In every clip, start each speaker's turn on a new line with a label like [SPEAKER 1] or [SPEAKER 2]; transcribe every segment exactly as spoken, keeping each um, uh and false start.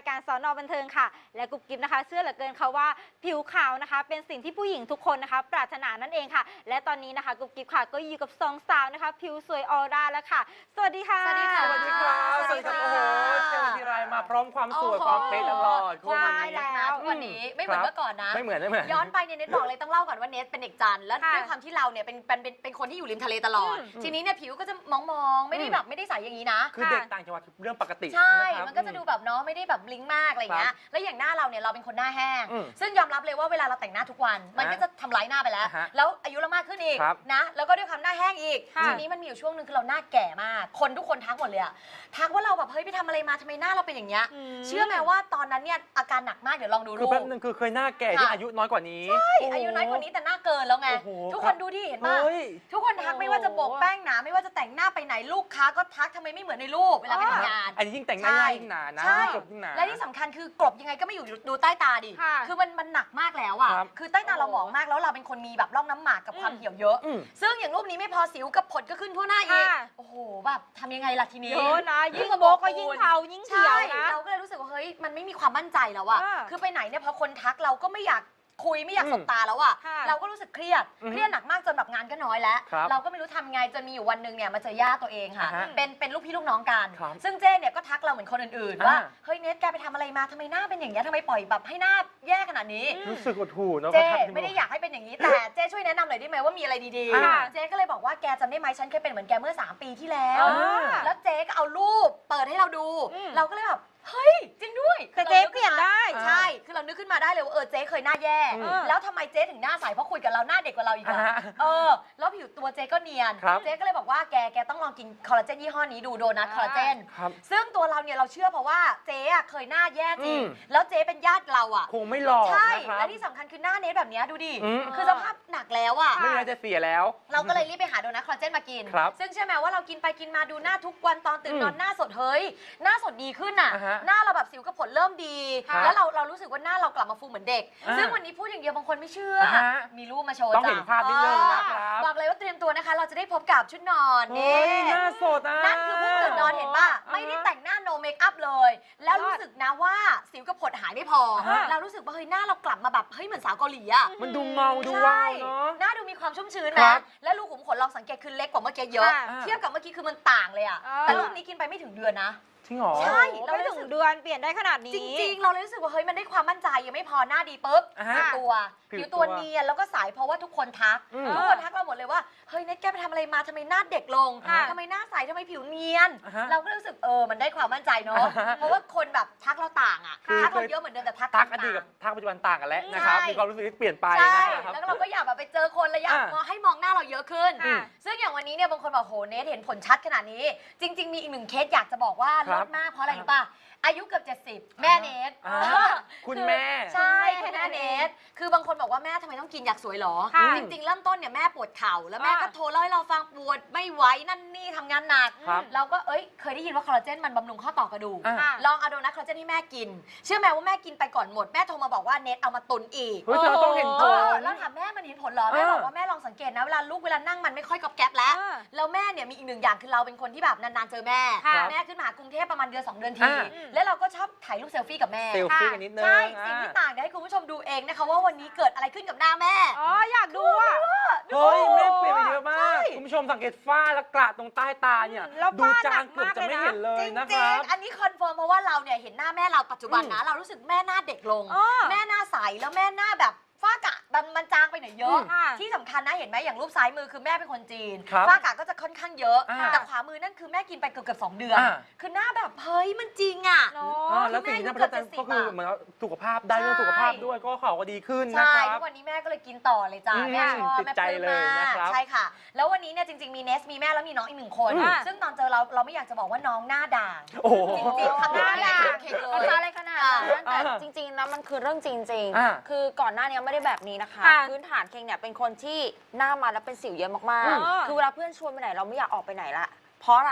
[SPEAKER 1] ายการสอนอบันเทิงค่ะและกุ๊บกิ๊บนะคะเชื่อเหลือเกินค่ะว่าผิวขาวนะคะเป็นสิ่งที่ผู้หญิงทุกคนนะคะปรารถนานั่นเองค่ะและตอนนี้นะคะกุ๊บกิ๊บค่ะก็อยู่กับสองสาวนะคะผิวสวยออร่าแล้วค่ะสวัสดีค่ะ
[SPEAKER 2] สวัสดีค่ะ
[SPEAKER 3] สวัสดีครับสวัสดีครับโอ้โหเจอทีไรมาพร้อมความสวยความเป๊ะตลอด
[SPEAKER 2] ใช่แล้ววันนี้ไม่เหมือนเมื่อก่อนนะ
[SPEAKER 3] ไม่เหมือนไม่เหมือน
[SPEAKER 2] ย้อนไปเนี่ยเน็ตบอกเลยต้องเล่าก่อนว่าเน็ตเป็นเด็กจันทร์แล้วด้วยความที่เราเนี่ยเป็นเป็นเป็นคนที่อยู่ริมทะเลตลอดทีนี้เนี่ยผิวก็จะมองๆไม่ได้แบบไม่ได้ใสอย่างนี้นะ
[SPEAKER 3] คือเด็กต่างจังหวัดเรื่องปกติ
[SPEAKER 2] ใช่มันก็จะดูแบบเนาะไม่ได้แบบบลิงมากอะไรเงี้ยแล้วอย่างหน้าเราเนี่ยเราเป็นคนหน้าแห้งซึ่งยอมรับเลยว่าเวลาเราแต่งหน้าทุกวันมันก็จะทำร้ายหน้าไปแล้วแล้วอายุเรามากขึ้นอีกนะแล้วก็ด้วยความหน้าแห้งอีกทีนี้มันมีอยู่ช่วงนึงคือเราหน้าแก่มากคนทุกคนทักหมดเลยอะทักว่าเราแบบเฮ้ยไปทำอะไรมาทำไมหน้าเราเป็นอย่างเงี้ยเชื่อไหมว่าตอนนั้นเนี่ยอาการหนักมากเดี๋ยวลองดูรูป
[SPEAKER 3] คือแป๊บนึงคือเคยหน้าแก่ที่อายุน้อยกว่านี้
[SPEAKER 2] ใช่อายุน้อยกว่านี้แต่หน้าเกินแล้วไงทุกคนดูที่เห็นป่ะทุกคนทักไม่ว่าจะโบกแป้งหนาไม่ว่าจะแต่งหน้าไปไหนลูกค้าก็ทักทำไมไม่เหมือนในรูปเวลาไปทำงาน
[SPEAKER 3] อันนี้ยิ่งแต่งหน้ายิ่งหนานะกบยิ่งหนา
[SPEAKER 2] และที่สำคัญคือกลบยังไงก็ไม่อยู่ดูใต้ตาดิคือมันมันหนักมากแล้วอ่ะคือใต้ตาเราหมองมากแล้วเราเป็นคนมีแบบร่องน้ำหมากกับความเหี่ยวเยอะซึ่งอย่างรูปนี้ไม่พอสิวกับผดก็ขึ้นทั่วหน้าอีกโอ้โหแบบทำยังไงล่ะทีนี้
[SPEAKER 1] เยอะนะยิ่งโบก็ยิ่งเทายิ่งเขียวนะ
[SPEAKER 2] เราก็เลยรู้สึกว่าเฮ้ยมันไม่มีความมั่นใจแล้วอะคือไปไหนเนี่ยพอคนทักเราก็ไม่อยากคุยไม่อยากสบตาแล้วอะเราก็รู้สึกเครียดเครียดหนักมากจนแบบงานก็น้อยแล้วเราก็ไม่รู้ทำไงจนมีอยู่วันหนึ่งเนี่ยมาเจอย่าตัวเองค่ะเป็นเป็นลูกพี่ลูกน้องกันซึ่งเจ้เนี่ยก็ทักเราเหมือนคนอื่นๆว่าเฮ้ยเนทแกไปทำอะไรมาทำไมหน้าเป็นอย่างเงี้ยทำไมปล่อยแบบให้หน้าแย่ขนาดนี้
[SPEAKER 3] รู้สึกหดหู่เนาะ
[SPEAKER 2] เจ้ไม่ได้อยากให้เป็นอย่างนี้แต่เจ้ช่วยแนะนำหน่อยได้ไหมว่ามีอะไรดีๆเจ้ก็เลยบอกว่าแกจำได้ไหมฉันเคยเป็นเหมือนแกเมื่อสามปีที่แล้วแล้วเจ้ก็เอารูปเปิดให้เราดูเราก็เลยแบบเฮ้ยจริงด้วย
[SPEAKER 1] แต่เจ๊เปลี่ยนได้
[SPEAKER 2] ใช่คือเรานึกขึ้นมาได้เลยว่าเออเจ๊เคยหน้าแย่แล้วทำไมเจ๊ถึงหน้าใสเพราะคุยกับเราหน้าเด็กกว่าเราอีกอะเออแล้วผิวตัวเจ๊ก็เนียนเจ๊ก็เลยบอกว่าแกแกต้องลองกินคอลลาเจนยี่ห้อนี้ดูโดนัทคอลลาเจนซึ่งตัวเราเนี่ยเราเชื่อเพราะว่าเจ๊อะเคยหน้าแย่จริงแล้วเจ๊เป็นญาติเราอะ
[SPEAKER 3] คงไม่หลอก
[SPEAKER 2] ใช่และที่สำคัญคือหน้าเนทแบบนี้ดูดิคือสภาพหนักแล้วอะ
[SPEAKER 3] ไม่น่าจะเสียแล้ว
[SPEAKER 2] เราก็เลยรีบไปหาโดนัทคอลลาเจนมากินซึ่งเชื่อไหมว่าเรากินไปกินมาดูหน้าทุกวันตอนตื่นนอนหน้าสดเฮ้ยหน้าสดดีขึ้นอะหน้าเราแบบสิวผลเริ่มดีแล้วเราเรารู้สึกว่าหน้าเรากลับมาฟูเหมือนเด็กซึ่งวันนี้พูดอย่างเดียวบางคนไม่เชื่อมีรูปมาโชว์
[SPEAKER 3] ต้องเห็นภาพนิดนึงนะครับ
[SPEAKER 2] บอกเลยว่าเตรียมตัวนะคะเราจะได้พบกับชุดนอน
[SPEAKER 3] นี่หน้าสดอ่ะ
[SPEAKER 2] นั่นคือเพิ่งตื่นนอนเห็นป่ะไม่ได้แต่งหน้าโนเมคอัพเลยแล้วรู้สึกนะว่าสิวกับผดหายไม่พอเรารู้สึกว่าเฮ้ยหน้าเรากลับมาแบบเฮ้ยเหมือนสาวเกาหลีอ่ะ
[SPEAKER 3] มันดูเงาดูว้าวเนาะ
[SPEAKER 2] หน้าดูมีความชุ่มชื้นนะแล้วรูขุมขนลองสังเกตคือเล็กกว่าเมื่อกี้เยอะเทียบกับเมื่อกี้คือมันต่างเลยอ่ะแต่รูปนี้กินไปไม่ถึงเดือนนะ
[SPEAKER 1] ใช่เราไม่ถึงเดือนเปลี่ยนได้ขนาดนี้
[SPEAKER 2] จริงๆเราเลยรู้สึกว่าเฮ้ยมันได้ความมั่นใจยังไม่พอหน้าดีปุ๊บผิวตัวผิวตัวเนียนแล้วก็ใสเพราะว่าทุกคนทักทุกคนทักเราหมดเลยว่าเฮ้ยเน็ตแกไปทำอะไรมาทำไมหน้าเด็กลงทำไมหน้าใสทำไมผิวเนียนเราก็รู้สึกเออมันได้ความมั่นใจเนาะเพราะว่าคนแบบทักเราต่างอ่ะทักเราเยอะเหมือนเดิมแต่ทัก
[SPEAKER 3] ทักอดีตกับทักปัจจุบันต่างกันแล้วนะครับมีความรู้สึกที่เปลี่ยนไป
[SPEAKER 2] นะครับแล้วเราก็อยากแบบไปเจอคนแล้วอยากให้มองหน้าเราเยอะขึ้นซึ่งอย่างวันนี้เนี่ยบางคนบอกโหเน็ตเห็นผลชัดขนาดนี้จริงๆมีอีกหนึ่งเคสอยากจะบอกว่าลดมากเพราะอะไรรู้ป่ะอายุเกือบเจ็ดสิบแม่เนท
[SPEAKER 3] คุณแม่
[SPEAKER 2] ใช่คุณแม่เนทคือบางคนบอกว่าแม่ทำไมต้องกินอยากสวยหรอจริงๆเริ่มต้นเนี่ยแม่ปวดเข่าแล้วแม่ก็โทรเล่าให้เราฟังปวดไม่ไหวนั่นนี่ทำงานหนักเราก็เอ้ยเคยได้ยินว่าคอลลาเจนมันบำรุงข้อต่อกระดูกลองเอาโดนัทคอลลาเจนให้แม่กินเชื่อไหมว่าแม่กินไปก่อนหมดแม่โทรมาบอกว่าเนทเอามาตุนอีก
[SPEAKER 3] เฮ้ยเธอต้องเห็นผล
[SPEAKER 2] แล้วถามแม่มันเห็นผลหรอแม่บอกว่าแม่ลองสังเกตนะเวลาลูกเวลานั่งมันไม่ค่อยกอบแก๊บแล้วแล้วแม่เนี่ยมีอีกหนึ่งอย่างคือเราเป็นคนที่แบบนานๆเจอแม่แม่ขึ้นมากรุงเทพประมาณเดือนสองเดือนทีแล้วเราก็ชอบถ่ายรูปเซลฟี่กับแม่
[SPEAKER 3] เซลฟี่กันนิดนึง
[SPEAKER 2] ใช่สิ่งที่ต่างเดี๋ยวให้คุณผู้ชมดูเองนะคะว่าวันนี้เกิดอะไรขึ้นกับหน้าแม่
[SPEAKER 1] อ๋ออยากดูอ่ะ
[SPEAKER 3] เฮ้ยแม่เปลี่ยนไปเยอะมากคุณผู้ชมสังเกตฝ้าและกระตรงใต้ตาเนี่ยดูจางเกือบจะไม่เห็นเลยนะครับ
[SPEAKER 2] อันนี้คอนเฟิร์มเพราะว่าเราเนี่ยเห็นหน้าแม่เราปัจจุบันนะเรารู้สึกแม่หน้าเด็กลงแม่หน้าใสแล้วแม่หน้าแบบฝ้ากะมันจางไปหน่อยเยอะที่สำคัญนะเห็นไหมอย่างรูปซ้ายมือคือแม่เป็นคนจีนฝ้ากะก็จะค่อนข้างเยอะแต่ขวามือนั่นคือแม่กินไปเกือบเกือบสองเดือนคือหน้าแบบเฮ้ยมันจริงอ่ะ
[SPEAKER 3] แล้วสิ่งที่น่าประทับใจก็คือเหมือนสุขภาพได้เรื่องสุขภาพด้วยก็เขาก็ดีขึ้นนะครับ
[SPEAKER 2] ใช่ทุกวันนี้แม่ก็เลยกินต่อเลยจ้าแม่ชอบ
[SPEAKER 3] แม่ปลื้มมาก
[SPEAKER 2] ใช่ค่ะแล้ววันนี้เนี่ยจริงๆมีเนสมีแม่แล้วมีน้องอีกหนึ่งคนซึ่งตอนเจอเราเราไม่อยากจะบอกว่าน้องหน้าด่างจริงๆคำนี้หน้าด่าง
[SPEAKER 4] ภาษาอะไรขนาดนั้นแต่จริงๆนะมันคือเรื่องจริงๆคือก่อนหน้านี้ไม่ได้แบบนี้นะคะพื้นฐานเคงเนี่ยเป็นคนที่หน้ามันแล้วเป็นสิวเยอะมากๆคือเวลาเพื่อนชวนไปไหนเราไม่อยากออกไปไหนละเพราะอะไร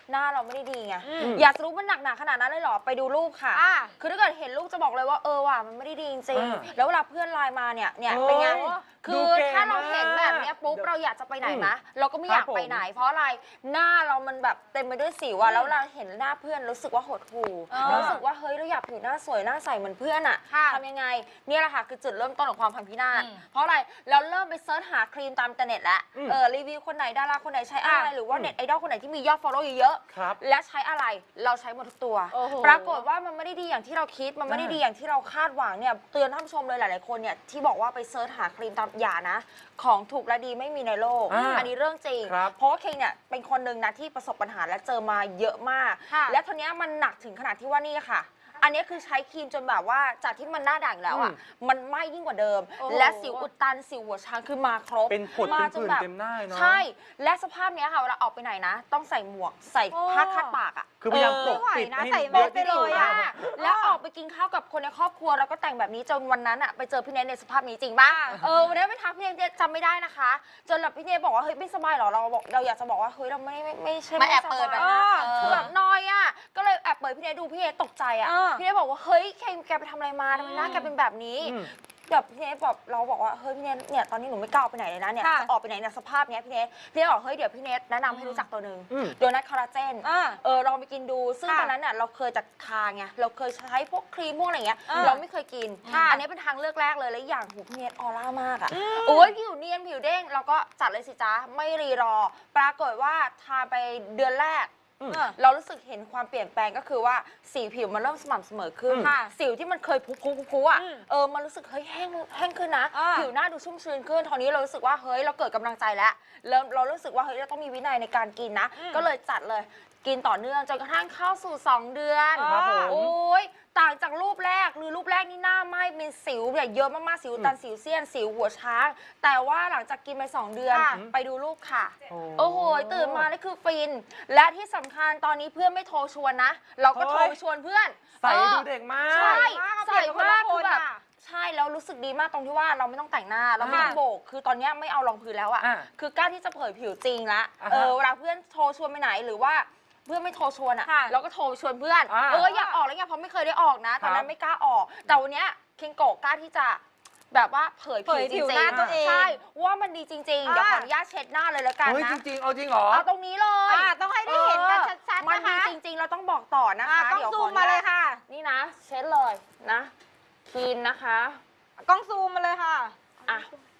[SPEAKER 4] หน้าเราไม่ได้ดีไง
[SPEAKER 1] อืม
[SPEAKER 4] อยากจะรู้มันหนักหนาขนาดนั้นเลยเหรอไปดูรูปค่ะ
[SPEAKER 1] อ่า
[SPEAKER 4] คือถ้าเกิดเห็นรูปจะบอกเลยว่าเออว่ะมันไม่ได้ดีจริง
[SPEAKER 3] อ่า
[SPEAKER 4] ๆแล้วเวลาเพื่อนไลน์มาเนี่ยเนี่ย
[SPEAKER 3] โอ้ย
[SPEAKER 4] เป็นไง
[SPEAKER 3] ดู
[SPEAKER 4] คือ
[SPEAKER 3] เก๋
[SPEAKER 4] ถ้าเราเห็นแบบ
[SPEAKER 3] มาก
[SPEAKER 4] เนี้ยปุ๊บเราอยากจะไปไหน
[SPEAKER 3] อืม
[SPEAKER 4] มะเราก็ไม่อยาก
[SPEAKER 3] ครับผม
[SPEAKER 4] ไปไหน เพราะอะไรหน้าเรามันแบบเต็มไปด้วยสิวอะแล้วเราเห็นหน้าเพื่อนรู้สึกว่าหดหู่
[SPEAKER 1] อ่า
[SPEAKER 4] รู้สึกว่าเฮ้ยเราอยากผิวหน้าสวยหน้าใสเหมือนเพื่อนอะ
[SPEAKER 1] ค่ะ
[SPEAKER 4] ทำยังไงเนี่ยแหละค่ะคือจุดเริ่มต้นของความพังพินาศ
[SPEAKER 2] อืม
[SPEAKER 4] เพราะอะไรเราเริ่มไปเซิร์ชหาครีมตามอินเทอร์เน็ตแล้ว
[SPEAKER 3] อืม
[SPEAKER 4] เออรีวิวคนไหนดาราคนไหนใช้อะไร
[SPEAKER 1] อ่ะ
[SPEAKER 4] หรือว่าเน็ตไอดอลคนไหนที่มียอดฟอลโล่เยอะๆ
[SPEAKER 3] ครับ
[SPEAKER 4] และใช้อะไรเราใช้หมดทุกตัว
[SPEAKER 1] โอ้โห
[SPEAKER 4] ปรากฏว่ามันไม่ได้ดีอย่างที่เราคิดมันไม่ได้ดีอย่างที่เราคาดหวังเนี่ยเตือนท่านผู้ชมเลยหลายๆคนเนี่ยที่บอกว่าไปเซิร์ชหาครีมตามอย่านะ ของถูกและดีไม่มีในโลก
[SPEAKER 3] อ่า
[SPEAKER 4] อันนี้เรื่องจริง
[SPEAKER 3] ครับ
[SPEAKER 4] เพราะว่าเคงเนี่ยเป็นคนหนึ่งนะที่ประสบปัญหาและเจอมาเยอะมาก
[SPEAKER 1] ค่ะ
[SPEAKER 4] และทีเนี้ยมันหนักถึงขนาดที่ว่านี่ค่ะ อันนี้คือใช้ครีมจนแบบว่าจากที่มันหน้าด่างแล้วอ่ะ
[SPEAKER 3] อืม
[SPEAKER 4] มันไหม้ยิ่งกว่าเดิม
[SPEAKER 1] โอ้โห
[SPEAKER 4] และสิวอุดตันสิวหัวช้างคือมาครบ
[SPEAKER 3] เป็นผด
[SPEAKER 4] มา
[SPEAKER 3] เป็นผื่นเต็มหน้าเนาะ
[SPEAKER 4] ใช่ และสภาพเนี้ยค่ะเวลาออกไปไหนนะ ต้องใส่หมวกใส่
[SPEAKER 1] โอ้
[SPEAKER 4] ผ้าคาดปากอ่ะ
[SPEAKER 3] คือพยายามป
[SPEAKER 1] ไม่
[SPEAKER 3] ก
[SPEAKER 1] ไหว
[SPEAKER 3] ปิด
[SPEAKER 1] นะ
[SPEAKER 3] ให้
[SPEAKER 1] ใส่
[SPEAKER 3] เย
[SPEAKER 1] แมส
[SPEAKER 3] อะ
[SPEAKER 1] ไป
[SPEAKER 3] ที่
[SPEAKER 1] เล
[SPEAKER 3] สุด
[SPEAKER 1] ย
[SPEAKER 3] นะ
[SPEAKER 1] อะ
[SPEAKER 4] แล้วออกไปกินข้าวกับคนในครอบครัวแล้วก็แต่งแบบนี้จนวันนั้นอ่ะไปเจอพี่เนทในสภาพนี้จริงป่ะ
[SPEAKER 1] ค่ะ
[SPEAKER 4] เออวันนั้นไปทักพี่เนทจำไม่ได้นะคะ จนแบบพี่เนทบอกว่าเฮ้ยไม่สบายเหรอเราบอกเราอยากจะบอกว่าเฮ้ยเราไม่ไม่ไม่ใช่
[SPEAKER 2] มาแอบเปิด
[SPEAKER 4] สบาย
[SPEAKER 2] แบบ
[SPEAKER 4] นะ
[SPEAKER 2] นั้น
[SPEAKER 4] คือแบบนอยอ่ะก็เลยแอบเปิดพี่เนทดูพี่เนทตกใจอ่ะ
[SPEAKER 1] เออ
[SPEAKER 4] พี่เนทบอกว่าเฮ้ยเคงแกไปทำอะไรมาทำไมหน้าแกเป็นแบบนี้
[SPEAKER 3] อืม
[SPEAKER 4] แบบพี่เนทแบบเราบอกว่าเฮ้ยพี่เนทเนี่ยตอนนี้หนูไม่กล้าออกไปไหนเลยนะเนี่ย
[SPEAKER 1] ค่ะ
[SPEAKER 4] จะออกไปไหนเนี่ยสภาพเนี้ยพี่เนทพี่เนทบอกเฮ้ยเดี๋ยวพี่เนทแนะนำให้รู้จักตัวหนึ่ง
[SPEAKER 3] อืม
[SPEAKER 4] โดนัทคอลลาเจน
[SPEAKER 1] อ่า
[SPEAKER 4] เออลองไปกินดู ซึ่ง
[SPEAKER 1] ค่ะ
[SPEAKER 4] ตอนนั้นน่ะเราเคยจากทางไงเราเคยใช้พวกครีมพวกอะไรเงี้ย
[SPEAKER 1] อ่า
[SPEAKER 4] เราไม่เคยกิน
[SPEAKER 1] ค่ะ
[SPEAKER 4] อันนี้เป็นทางเลือกแรกเลยและอย่างหูพี่เนทออร่ามากอ่ะ
[SPEAKER 1] อืม
[SPEAKER 4] โอ้ยผิวเนียนผิวเด้งเราก็จัดเลยสิจ๊ะไม่รีรอ ปรากฏว่าทาไปเดือนแรก
[SPEAKER 3] อืม
[SPEAKER 4] เรารู้สึกเห็นความเปลี่ยนแปลงก็คือว่าสีผิวมันเริ่มสม่ำเสมอขึ้น
[SPEAKER 3] อืม
[SPEAKER 1] ค่ะ
[SPEAKER 4] สิวที่มันเคยพุพุพุอ่ะ
[SPEAKER 1] อืม
[SPEAKER 4] เออมันรู้สึกเฮ้ยแห้งแห้งขึ้นนะ
[SPEAKER 1] อ่า
[SPEAKER 4] ผิวหน้าดูชุ่มชื้นขึ้นตอนนี้เรารู้สึกว่าเฮ้ยเราเกิดกำลังใจแล้วเริ่มเรารู้สึกว่าเฮ้ยเราต้องมีวินัยในการกินนะ
[SPEAKER 1] อืม
[SPEAKER 4] ก็เลยจัดเลยกินต่อเนื่องจนกระทั่งเข้าสู่ สอง เดือน
[SPEAKER 3] ครับผม
[SPEAKER 4] โอ้ยต่างจากรูปแรกหรือรูปแรกนี่หน้าไหม้เป็นสิวเนี่ยเยอะมากๆสิวตันสิวเซียนสิวหัวช้าง แต่ว่าหลังจากกินไปสองเดือน
[SPEAKER 1] ค่ะ
[SPEAKER 4] ไปดูรูปค่ะ
[SPEAKER 3] โอ้
[SPEAKER 4] โอ้โหตื่นมานี่คือฟิน และที่สำคัญตอนนี้เพื่อนไม่โทรชวนนะ เราก็โทรไปชวนเพื่อน
[SPEAKER 3] ใส่
[SPEAKER 4] เออ
[SPEAKER 3] ดูเด็กมาก
[SPEAKER 4] ใช่ ใส่มาก
[SPEAKER 1] เปลี่ยนเป็นคนละ
[SPEAKER 4] คือ
[SPEAKER 1] คน
[SPEAKER 4] แบบ
[SPEAKER 1] อะ
[SPEAKER 4] ใช่แล้วรู้สึกดีมากตรงที่ว่าเราไม่ต้องแต่งหน้าเราไม่ต้อง
[SPEAKER 1] ค่ะ
[SPEAKER 4] โบก คือตอนเนี้ยไม่เอารองพื้นแล้วอะ
[SPEAKER 3] อ่ะ
[SPEAKER 4] คือกล้าที่จะเผยผิวจริงละ
[SPEAKER 3] อ่าฮะ
[SPEAKER 4] เออเวลาเพื่อนโทรชวนไปไหนหรือว่าเพื่อนไม่โทรชวนอะ
[SPEAKER 1] ค่ะ
[SPEAKER 4] เราก็โทรชวนเพื่อน
[SPEAKER 3] อ่า
[SPEAKER 4] เอออยากออกแล้วไงเพราะไม่เคยได้ออกนะตอนนั้
[SPEAKER 3] ครั
[SPEAKER 4] น
[SPEAKER 3] บ
[SPEAKER 4] ไม่กล้าออก แต่วันเนี้ยเคงโกะกล้าที่จะแบบว่าเผย
[SPEAKER 1] เผ
[SPEAKER 4] ผิวย จ
[SPEAKER 1] ผิว
[SPEAKER 4] ริ
[SPEAKER 1] ห
[SPEAKER 4] ง
[SPEAKER 1] น้าตัวเอง
[SPEAKER 4] ๆใช่ว่ามันดีจริงๆเดี๋ยวขอ
[SPEAKER 1] อ่า
[SPEAKER 4] อนุญาตเช็ดหน้าเลยแล้วกัน
[SPEAKER 3] เฮ้ย
[SPEAKER 4] นะ
[SPEAKER 3] จริงๆ เอาจริงเหรอ
[SPEAKER 4] เอาตรงนี้เลย
[SPEAKER 1] อ่าต้องให้ได้เห็นกันชัดๆ
[SPEAKER 4] มัน
[SPEAKER 1] นะ
[SPEAKER 4] ดี
[SPEAKER 1] คะ
[SPEAKER 4] จริง ๆ เราต้องบอกต่อนะ
[SPEAKER 1] อ่า
[SPEAKER 4] คะ
[SPEAKER 1] กล้อง
[SPEAKER 4] เดี๋ยว
[SPEAKER 1] ซู
[SPEAKER 4] ขอ
[SPEAKER 1] ม
[SPEAKER 4] อนุ
[SPEAKER 1] มา
[SPEAKER 4] ญาต
[SPEAKER 1] เลยค่ะ
[SPEAKER 4] นี่นะ เช็ดเลยนะคลีนนะคะ
[SPEAKER 1] กล้องซูมมาเลยค่ะ
[SPEAKER 4] อ่ะ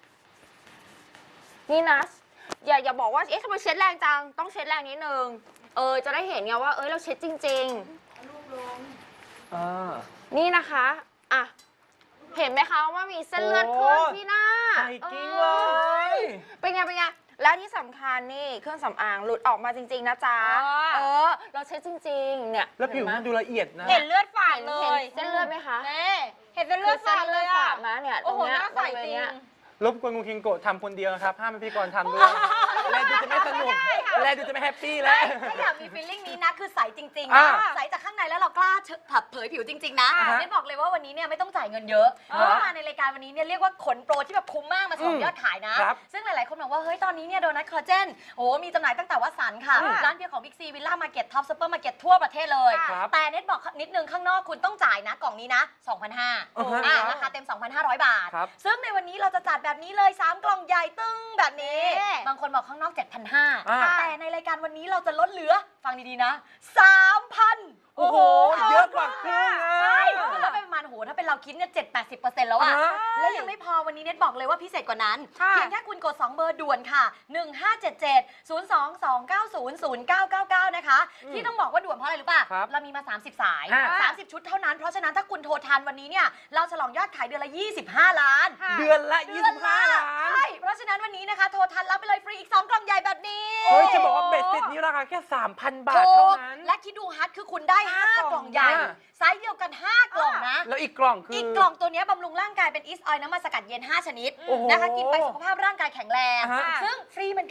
[SPEAKER 4] นี่นะ อย่าอย่าบอกว่า เอ๊ะทำไมเช็ดแรงจัง ต้องเช็ดแรงนิดนึง เออ จะได้เห็นไงว่า เอ้ย เราเช็ดจริง
[SPEAKER 3] อ่า
[SPEAKER 4] ๆ นี่นะคะ อ่ะ เห็นไหมคะว่ามีเส้นเลือดขึ้น
[SPEAKER 3] โอ้
[SPEAKER 4] ที่หน้า
[SPEAKER 3] ใส่กิ้งเลย
[SPEAKER 4] เป็นไง เป็นไง และที่สำคัญนี่เครื่องสำอางหลุดออกมาจริง ๆ นะจ๊ะ
[SPEAKER 1] อ๋อ
[SPEAKER 4] เออ เราเช็ดจริง ๆ เนี่ย
[SPEAKER 3] แล้วผิว
[SPEAKER 4] เห็
[SPEAKER 3] มัน
[SPEAKER 4] นไหม
[SPEAKER 3] ดูละเอียดนะ
[SPEAKER 1] เห็นเลือดฝาด
[SPEAKER 4] เห็น
[SPEAKER 1] เล
[SPEAKER 4] เห็น
[SPEAKER 1] ย
[SPEAKER 4] เส้นเลือดไหมคะ
[SPEAKER 1] เน่เห็นเป็นเลือดฝาดเลยอ่ะ
[SPEAKER 4] นะเนี่ยต
[SPEAKER 1] โอ้
[SPEAKER 4] รง
[SPEAKER 1] โห
[SPEAKER 4] เนี้ย
[SPEAKER 1] หน้าใส
[SPEAKER 4] บริเวณ
[SPEAKER 1] จริง
[SPEAKER 4] เนี้ย
[SPEAKER 3] รบกวนคุณคิงโกะทำคนเดียวนะครับ ห้ามให้พี่กรณ์ทำด้วยแลดูจะไม่สนุกแลดูจะไม่แฮปปี้แล้ว
[SPEAKER 2] ถ้าอยากมีฟีลลิ่งนี้นะคือใสจริงๆ
[SPEAKER 3] อ่า
[SPEAKER 2] นะใสจากข้างในแล้วเรากล้าเผยผิวจริงๆนะ
[SPEAKER 3] อ่าฮะ
[SPEAKER 2] เน้นบอกเลยว่าวันนี้เนี่ยไม่ต้องจ่ายเงินเยอะเพ
[SPEAKER 3] อ่า
[SPEAKER 2] ราะว่ามาในรายการวันนี้เนี่ยเรียกว่าขนโปรที่แบบคุ้มมากมาฉลอง
[SPEAKER 3] อืม
[SPEAKER 2] ยอดขายนะ
[SPEAKER 3] ครับ
[SPEAKER 2] ซึ่งหลายๆคนบอกว่าเฮ้ยตอนนี้เนี่ยโดนัทคอลลาเจนโอ้มีจำหน่ายตั้งแต่วัดสันค่ะ
[SPEAKER 3] อ่า
[SPEAKER 2] ร้านเพียงของบิ๊กซีวิลล่ามาร์เก็ตท็อปซูเปอร์มาร์เก็ตทั่วประเทศเลย
[SPEAKER 3] ครับ
[SPEAKER 2] แต่เน็ตบอกนิดนึงข้างนอกคุณต้องจ่ายนะกล่องนี้นะ สองพันห้าร้อย
[SPEAKER 3] อ่าฮะ
[SPEAKER 2] อ่าราคาเต็ม สองพันห้าร้อย บาท
[SPEAKER 3] ครับ
[SPEAKER 2] ซึ่งในวันนี้เราจะจัดแบบนี้เลยสามกล่องใหญ่ตึ้งแบบนี้
[SPEAKER 1] เอ๊ะ
[SPEAKER 2] บางคนบอกข้างนอก เจ็ดพันห้าร้อย
[SPEAKER 3] อ่า
[SPEAKER 2] แต่ในรายการวันนี้เราจะลดเหลือฟังดีๆนะ สามพัน
[SPEAKER 3] โอ้โห เยอะกว่าครึ่งอ่ะ
[SPEAKER 2] ใช่คือลดไปประมาณโหถ้าเป็นเราคิดเนี่ยเจ็ดแปดสิบเปอร์เซ็นต์แล้วอะ
[SPEAKER 3] อ่า
[SPEAKER 2] แล้วยังไม่พอวันนี้เน็ตบอกเลยว่าพิเศษกว่านั้น
[SPEAKER 1] ค่ะ
[SPEAKER 2] เพียงแค่คุณกด สอง เบอร์ด่วนค่ะ หนึ่ง ห้า เจ็ด เจ็ด ศูนย์ สอง สอง เก้า ศูนย์ ศูนย์ เก้า เก้า เก้า นะคะ
[SPEAKER 3] อืม
[SPEAKER 2] ที่ต้องบอกว่าด่วนเพราะอะไรรู้ป่ะ
[SPEAKER 3] ครับ
[SPEAKER 2] เรามีมา สามสิบ สาย
[SPEAKER 3] อ่า
[SPEAKER 2] สามสิบ ชุดเท่านั้น เพราะฉะนั้นถ้าคุณโทรทันวันนี้เนี่ยเราฉลองยอดขายเดือนละ ยี่สิบห้า ล้าน
[SPEAKER 1] ค่ะ
[SPEAKER 3] เดือนละยี่สิบห้าล้าน
[SPEAKER 2] ใช่ เพราะฉะนั้นวันนี้นะคะโทรทันรับไปเลยฟรีอีกสองกล่องใหญ่แบบนี้
[SPEAKER 3] เฮ้ย จะบอกว่าเบ็ดเสร็จนี้ราคาแค่ สามพัน บาท
[SPEAKER 2] ถู
[SPEAKER 3] เท่าก นั้น
[SPEAKER 2] และคิดดูฮัทคือคุณได้ ห้า
[SPEAKER 1] ห้าก กล่
[SPEAKER 2] ล่อ
[SPEAKER 1] อง ง
[SPEAKER 2] ใหญ่
[SPEAKER 3] อ่า
[SPEAKER 2] ไซส์เดียวกัน ห้า กล่องนะ
[SPEAKER 3] แล้วอีกกล่องคือ
[SPEAKER 2] อี
[SPEAKER 3] อี
[SPEAKER 2] กกล่องตัวเนี้ยบำรุงร่างกายเป็นอีสออยล์น้ำมันสกัดเย็น ห้า ชนิด
[SPEAKER 3] โอ้โห
[SPEAKER 2] นะคะกินไปสุขภาพร่างกายแข็งแรง
[SPEAKER 3] อ่าฮะ
[SPEAKER 2] ซึ่งฟรีเหมือนกัน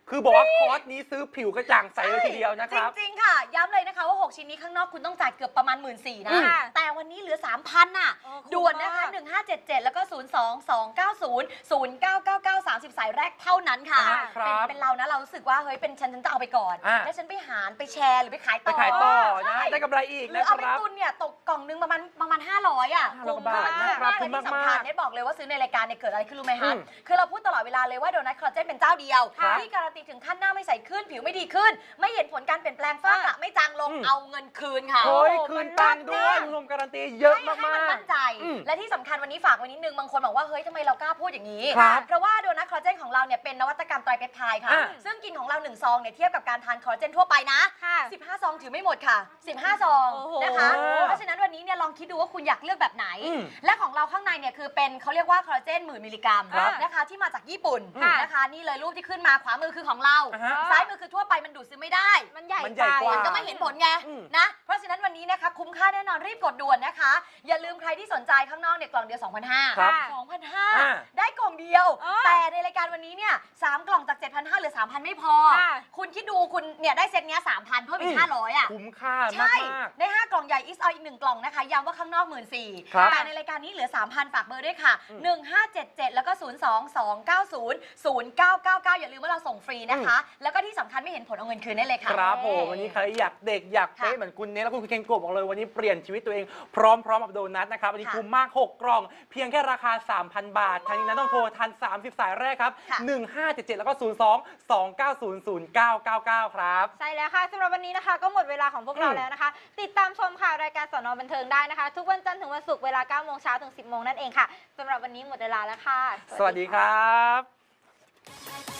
[SPEAKER 3] คือบอกว่าคอร์สนี้ซื้อผิวกระจ่างใสเลยทีเดียวนะครับ
[SPEAKER 2] จริงๆค่ะย้ำเลยนะคะว่าหกชิ้นนี้ข้างนอกคุณต้องจ่ายเกือบประมาณ หนึ่งหมื่นสี่พัน
[SPEAKER 3] อืม
[SPEAKER 2] นะแต่วันนี้เหลือ สามพัน น่ะ
[SPEAKER 1] เออคุ้ม
[SPEAKER 2] ด่วนนะคะ
[SPEAKER 1] มาก
[SPEAKER 2] หนึ่งห้าเจ็ดเจ็ดแล้วก็ศูนย์ สอง สอง เก้า ศูนย์ ศูนย์ เก้า เก้า เก้า สามสิบสายแรกเท่านั้นค่ะ
[SPEAKER 3] อ่าครั
[SPEAKER 2] เป็น
[SPEAKER 3] บ
[SPEAKER 2] เป็นเรานะเรารู้สึกว่าเฮ้ยเป็นฉันฉันจะเอาไปก่อน
[SPEAKER 3] อ่า
[SPEAKER 2] แล้วฉันไปหารไปแชร์หรือไปขาย
[SPEAKER 3] ไป
[SPEAKER 2] ต่อ
[SPEAKER 3] ขายต่อนะ
[SPEAKER 2] ใช่
[SPEAKER 3] ได้กำไรอีก
[SPEAKER 2] หรื
[SPEAKER 3] นะ
[SPEAKER 2] อ
[SPEAKER 3] ค
[SPEAKER 2] เอาไป
[SPEAKER 3] รับ
[SPEAKER 2] ตุนเนี่ยตกกล่องนึงประมาณประมาณห้าร้อยอ่ะ
[SPEAKER 3] ห้าร้อยกว่าบาทนะครับ
[SPEAKER 2] และ
[SPEAKER 3] คุ้ม
[SPEAKER 2] ที่
[SPEAKER 3] มากๆ
[SPEAKER 2] สำคัญเนี่ยบอกเลยว่าซื้อในรายการเนี่ยเกิดอะไรขึ้นรู้ไหม
[SPEAKER 3] อื
[SPEAKER 2] คะ
[SPEAKER 3] ม
[SPEAKER 2] คือเราพูดตลอดเวลาเลยว่าโดนัทคอลลาเจนเป็นเจ้าเดียว
[SPEAKER 3] ครับ
[SPEAKER 2] ที่การันตีถึงขั้นหน้าไม่ใสขึ้นผิวไม่ดีขึ้น ไม่เห็นผลการเปลี่ยนแปลงฝ้ากระไม่จางลง
[SPEAKER 3] อืม
[SPEAKER 2] เอาเงินคืนค่ะ
[SPEAKER 3] เฮ้ย
[SPEAKER 1] โอ้โห
[SPEAKER 3] คืน
[SPEAKER 1] มัน
[SPEAKER 3] ตังค์ด้วย
[SPEAKER 1] มาก
[SPEAKER 3] คุณผู้ชมการันตีเยอะ
[SPEAKER 2] ให้
[SPEAKER 3] มาก
[SPEAKER 2] ให้มัน
[SPEAKER 3] ๆ
[SPEAKER 2] มั่นใจ
[SPEAKER 3] อืม
[SPEAKER 2] และที่สำคัญวันนี้ฝากไว้นิดนึงบางคนบอกว่าเฮ้ยทำไมเรากล้าพูดอย่างนี้
[SPEAKER 3] ครับ
[SPEAKER 2] เพราะว่าโดนัทคอลลาเจนของเราเนี่ยเป็นนวัตกรรมไตรเปปไทด์ค่ะ
[SPEAKER 3] อ่า
[SPEAKER 2] ซึ่งกินของเราหนึ่งซองเนี่ยเทียบกับการทานคอลลาเจนทั่วไปนะ
[SPEAKER 1] ค่ะ
[SPEAKER 2] สิบห้าซองถือไม่หมดค่ะ สิบห้าซอง
[SPEAKER 1] โอ้โห
[SPEAKER 2] นะคะ เพราะฉะนั้นวันนี้เนี่ยลองคิดดูว่าคุณอยากเลือกแบบไหน
[SPEAKER 3] อืม
[SPEAKER 2] และของเราข้างในเนี่ยคือเป็นเขาเรียกว่าคอลลาเจนหมื่นมิลลิกรัม
[SPEAKER 1] ครับ
[SPEAKER 2] นะคะที่มาจากญี่ปุ่น
[SPEAKER 1] ค่ะ
[SPEAKER 2] นะคะนี่เลยรูปที่ขึ้นมาขวามือคือของเรา
[SPEAKER 3] อ่าฮะ
[SPEAKER 2] ซ้ายมือคือทั่วไปมันดูดซึมไม่ได้
[SPEAKER 1] มันใหญ่
[SPEAKER 3] มันใหญ่กว่า
[SPEAKER 2] มันก็ไม่เห็นผลไง
[SPEAKER 3] อืม
[SPEAKER 2] นะ เพราะฉะนั้นวันนี้นะคะคุ้มค่าแน่นอนรีบกดด่วนนะคะ อย่าลืมใครที่สนใจข้างนอกเนี่ยกล่องเดียว สองพันห้า
[SPEAKER 3] ครับ
[SPEAKER 2] สองพันห้า
[SPEAKER 3] อ่า
[SPEAKER 2] ได้กล่องเดียว
[SPEAKER 1] เออ
[SPEAKER 2] แต่ในรายการวันนี้เนี่ยสามกล่องจาก เจ็ดพันห้าร้อยเหลือ สามพัน ไม่พอ
[SPEAKER 1] ค่ะ
[SPEAKER 2] คุณคิดดูคุณเนี่ยได้เซตเนี้ยสามพันเพิ่มอี
[SPEAKER 3] อื
[SPEAKER 2] ก
[SPEAKER 3] ม
[SPEAKER 2] ห้าร้อยอ่ะ
[SPEAKER 3] คุ้มค่า
[SPEAKER 2] ใช่
[SPEAKER 3] มาก
[SPEAKER 2] ได้ห้ากล่องใหญ่อิสเอาอีกหนึ่งกล่องนะคะย้ำว่าข้างนอก หนึ่งหมื่นสี่พัน
[SPEAKER 3] ครับ
[SPEAKER 2] แต่ในรายการนี้เหลือ สามพัน ฝากเบอร์ด้วยค่ะ
[SPEAKER 3] อืม
[SPEAKER 2] หนึ่งห้าเจ็ดเจ็ดแล้วก็ ศูนย์ สอง สอง เก้า ศูนย์ ศูนย์ เก้า เก้า เก้า อย่าลืมว่าเราส่งฟรีนะคะ แล้วก็ที่สำคัญไม่เห็นผลเอาเงินคืนได้เลย
[SPEAKER 3] ๆ
[SPEAKER 2] ค่ะ
[SPEAKER 3] ครับผมวันนี้ใครอยากเด็กอยากเป๊ะ
[SPEAKER 2] ค่ะ
[SPEAKER 3] เหมือนคุณเนทและคุณเคนโกะบอกเลยวันนี้เปลี่ยนชีวิตตัวเองพร้อมๆกับโดนัทนะครับวันนี้
[SPEAKER 2] ค่ะ
[SPEAKER 3] คุ้มมากหกกล่อง เพียงแค่ราคา สามพัน บาททางนี้นะต้องโทรทันสามสิบสายแรกครับ
[SPEAKER 2] ค่ะ
[SPEAKER 3] หนึ่งห้าเจ็ดเจ็ดแล้วก็ ศูนย์ สอง สอง เก้า ศูนย์ ศูนย์ เก้า เก้า เก้า ครับ
[SPEAKER 1] ใช่แล้วค่ะสำหรับวันนี้นะคะ ก็หมดเวลาของพวกเรา
[SPEAKER 3] อืม
[SPEAKER 1] แล้วนะคะ ติดตามชมข่าวรายการสนบันเทิงได้นะคะ ทุกวันจันทร์ถึงวันศุกร์เวลาเก้าโมงเช้าถึงสิบโมงนั่นเองค่ะสำหรับวันนี้หมดเวลาแล้วค่ะ
[SPEAKER 3] สวัสดีครับ